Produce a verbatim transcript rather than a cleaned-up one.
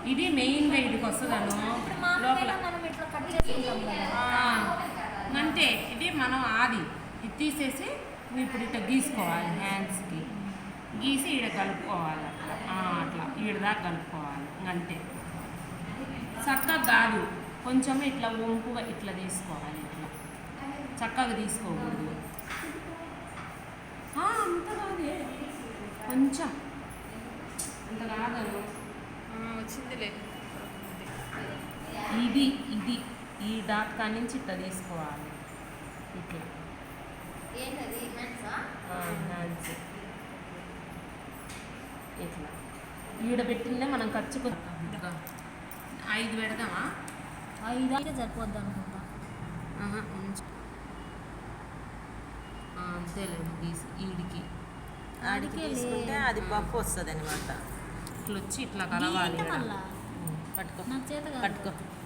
ఇది మెయిన్గా ఇదికి వస్తుందను లోపల అంతే. ఇది మనం ఆది ఇది తీసేసి ఇప్పుడు ఇట్లా గీసుకోవాలి. హ్యాండ్స్కి గీసి ఈడ కలుపుకోవాలి. అట్లా అట్లా ఈడ దాకా కలుపుకోవాలి. అంతే. చక్కగా కాదు, కొంచెం ఇట్లా వంపుగా ఇట్లా తీసుకోవాలి. ఇట్లా చక్కగా తీసుకోకూడదు. అంత కాదే, కొంచెం అంత కాదు. వచ్చిందిలే. ఇది ఇది ఈ డాట్ కాడి నుంచి ఇట్లా తీసుకోవాలి. ఇట్లా హ్యాండ్స్ ఇట్లా ఈడ పెట్టిందే మనం ఖర్చుకు ఐదు పెడదామా? ఐదు అయితే సరిపోద్ది అనుకుంటా. అంతేలేదు. తీసి ఈడికి ఆడికి తీసుకుంటే అది పప్పు వస్తుంది అనమాట. ఇట్లా వచ్చి ఇట్లా కలవాలి. మళ్ళా పట్టుకో నాకు చేత పట్టుకో